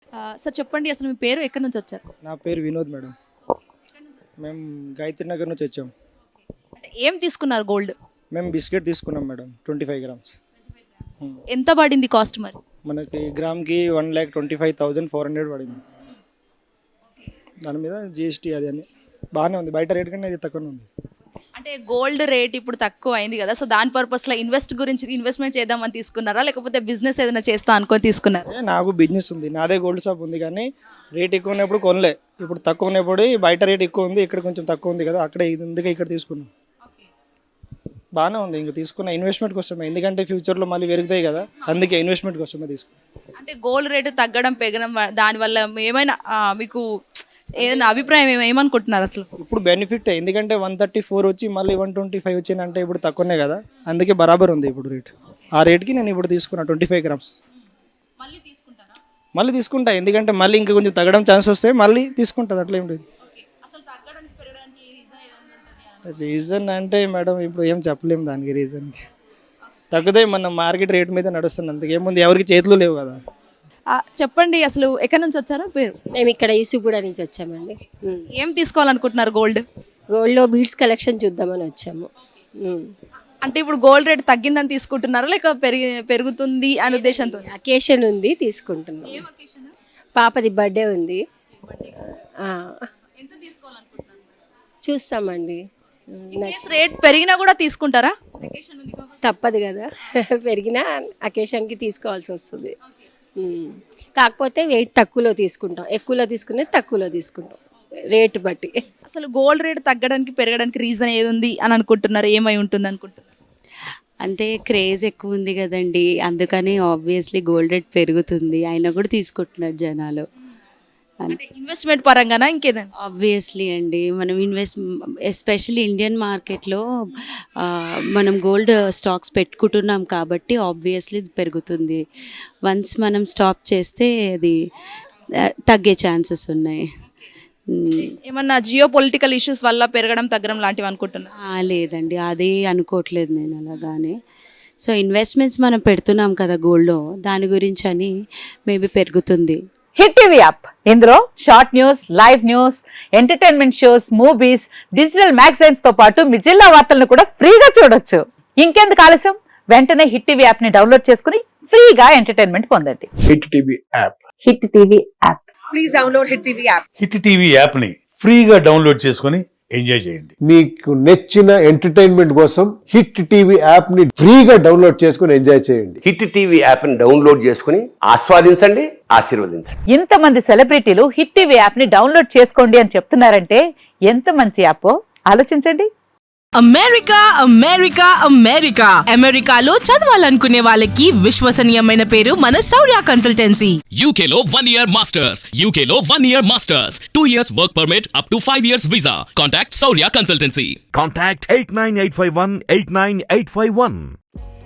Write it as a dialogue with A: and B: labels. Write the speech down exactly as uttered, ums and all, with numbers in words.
A: Sir చెప్పండి, అసలు మీ పేరు ఎక్కడి నుంచి వచ్చారు?
B: నా పేరు వినోద్ మేడం. మేము గాయత్రి నగర్ నుంచి వచ్చాం.
A: అంటే ఏం తీసుకున్నారు గోల్డ్?
B: మేము బిస్కెట్ తీసుకున్నాం మేడం, ట్వంటీ ఫైవ్ గ్రామ్స్.
A: ఎంత పడింది కాస్ట్ మరి?
B: మనకి గ్రామ్కి one lakh twenty five thousand four hundred పడింది. దాని మీద జిఎస్టీ అది అని బాగానే ఉంది, బయట రేట్ కన్నా ఇది తక్కువనే ఉంది.
A: అంటే గోల్డ్ రేట్ ఇప్పుడు తక్కువ అయింది కదా, సో దాని పర్పస్లో ఇన్వెస్ట్ గురించి ఇన్వెస్ట్మెంట్ చేద్దామని తీసుకున్నారా, లేకపోతే బిజినెస్ ఏదైనా చేస్తా అనుకొని తీసుకున్నారా?
B: ఏ, నాకు బిజినెస్ ఉంది, నాదే గోల్డ్ షాప్ ఉంది, కానీ రేట్ ఎక్కువ ఉన్నప్పుడు కొనలే. ఇప్పుడు తక్కువ ఉన్నప్పుడు బయట రేట్ ఎక్కువ ఉంది, ఇక్కడ కొంచెం తక్కువ ఉంది కదా, అక్కడ ఇది అందుకే ఇక్కడ తీసుకున్నాం. బాగానే ఉంది, ఇంకా తీసుకున్న ఇన్వెస్ట్మెంట్ కోసమే, ఎందుకంటే ఫ్యూచర్లో మళ్ళీ పెరుగుతాయి కదా, అందుకే ఇన్వెస్ట్మెంట్ కోసమే తీసుకున్నాం.
A: అంటే గోల్డ్ రేటు తగ్గడం పెరగడం వ- దానివల్ల ఏమైనా ఆ, మీకు ఏదైనా అభిప్రాయం ఏమ- ఏమనుకుంటున్నారు అసలు?
B: ఇప్పుడు బెనిఫిట్, ఎందుకంటే వన్ థర్టీ ఫోర్ వచ్చి మళ్ళీ వన్ ట్వంటీ ఫైవ్ వచ్చిందంటే ఇప్పుడు తక్కువనే కదా, అందుకే బరాబర్ ఉంది ఇప్పుడు రేట్. ఆ రేట్కి నేను ఇప్పుడు తీసుకున్నా ట్వంటీ ఫైవ్ గ్రామ్స్.
A: మళ్ళీ తీసుకుంటారా?
B: మళ్ళీ తీసుకుంటా, ఎందుకంటే మళ్ళీ ఇంకా కొంచెం తగ్గడం ఛాన్స్ వస్తే మళ్ళీ తీసుకుంటుంది, అట్లా ఏం లేదు.
A: అసలు తగ్గడానికి పెరగడానికి రీజన్ ఏదైనా ఉంటుంది?
B: రీజన్ అంటే మేడం ఇప్పుడు ఏం చెప్పలేము దానికి రీజన్కి. తగ్గుతాయి, మన మార్కెట్ రేట్ మీద నడుస్తుంది, అంతకేముంది, ఎవరికి చేతులు లేవు కదా.
A: ఆ, చెప్పండి, అసలు ఎక్కడి నుంచి వచ్చారో పేరు?
C: మేము ఇక్కడ యూసుగూడ నుంచి వచ్చామండి. ఉమ్.
A: ఏం తీసుకోవాలనుకుంటున్నారు గోల్డ్?
C: గోల్డ్లో బీడ్స్ కలెక్షన్ చూద్దామని వచ్చాము. ఉమ్.
A: అంటే ఇప్పుడు గోల్డ్ రేట్ తగ్గిందని తీసుకుంటున్నారా, లేక పెరిగి పెరుగుతుంది అనే ఉద్దేశంతో?
C: అకేషన్ ఉంది, తీసుకుంటున్నాం. పాపది బర్త్డే ఉంది. ఆ,
A: ఎంత తీసుకోవాలనుకుంటున్నారు?
C: చూస్తామండి. ఉమ్,
A: రేట్ పెరిగినా కూడా తీసుకుంటారా?
C: తప్పదు కదా, పెరిగినా అకేషన్కి తీసుకోవాల్సి వస్తుంది. ఉమ్. కాకపోతే వెయిట్ తక్కువలో తీసుకుంటాం, ఎక్కువలో తీసుకునేది తక్కువలో తీసుకుంటాం రేటు బట్టి.
A: అసలు గోల్డ్ రేట్ తగ్గడానికి పెరగడానికి రీజన్ ఏది ఉంది అని అనుకుంటున్నారు? ఏమై ఉంటుంది అనుకుంటున్నారు?
D: అంటే క్రేజ్ ఎక్కువ ఉంది కదండి, అందుకని ఆబ్వియస్లీ గోల్డ్ రేట్ పెరుగుతుంది, అయినా కూడా తీసుకుంటున్నారు జనాలు.
A: అంటే ఇన్వెస్ట్మెంట్ పరంగానా ఇంకేదైనా?
D: ఆబ్వియస్లీ అండి, మనం ఇన్వెస్ట్ ఎస్పెషల్లీ ఇండియన్ మార్కెట్లో మనం గోల్డ్ స్టాక్స్ పెట్టుకుంటున్నాం కాబట్టి ఆబ్వియస్లీ పెరుగుతుంది. వన్స్ మనం స్టాప్ చేస్తే అది ఆ, తగ్గే ఛాన్సెస్ ఉన్నాయి. మ్,
A: ఏమన్నా జియో పొలిటికల్ ఇష్యూస్ వల్ల పెరగడం తగ్గడం లాంటివి అనుకుంటున్నారు?
D: ఆ, లేదండి, అదే అనుకోవట్లేదు నేను అలాగానే. సో ఇన్వెస్ట్మెంట్స్ మనం పెడుతున్నాం కదా గోల్డ్లో, దాని గురించి అని మేబీ పెరుగుతుంది.
E: హిట్ టీవీ యాప్, ఇందులో short news, live news, entertainment shows, movies, digital magazines తో పాటు మీ జిల్లా వార్తలను కూడా ఫ్రీగా చూడొచ్చు. ఇంకెందుకు ఆలస్యం, వెంటనే హిట్ టీవీ యాప్ ని డౌన్లోడ్ చేసుకుని ఫ్రీగా ఎంటర్టైన్మెంట్ పొందండి.
F: Hit TV app.
E: Hit TV app.
C: Please download hit TV app.
F: Hit TV యాప్ని ఫ్రీగా డౌన్లోడ్ చేసుకొని ఎంజాయ్ చేయండి.
G: మీకు నచ్చిన ఎంటర్టైన్మెంట్ కోసం హిట్ టీవీ యాప్ ని ఫ్రీగా డౌన్లోడ్ చేసుకుని ఎంజాయ్ చేయండి.
H: హిట్ టీవీ యాప్ని డౌన్లోడ్ చేసుకుని ఆస్వాదించండి, ఆశీర్వదించండి.
E: ఇంతమంది సెలబ్రిటీలు హిట్ టీవీ యాప్ ని డౌన్లోడ్ చేసుకోండి అని చెప్తున్నారంటే ఎంత మంచి యాప్ ఆలోచించండి.
I: అమెరికా అమెరికా అమెరికా అమెరికాలో చదవాలనుకునే వాళ్ళకి విశ్వసనీయమైన పేరు మన శౌర్య కన్సల్టెన్సీ.
J: యూకేలో వన్ ఇయర్ మాస్టర్స్ యూకేలో one year masters two years work permit up to five years visa. Contact Shaurya consultancy.
K: Contact eight nine eight five one eight nine eight five one.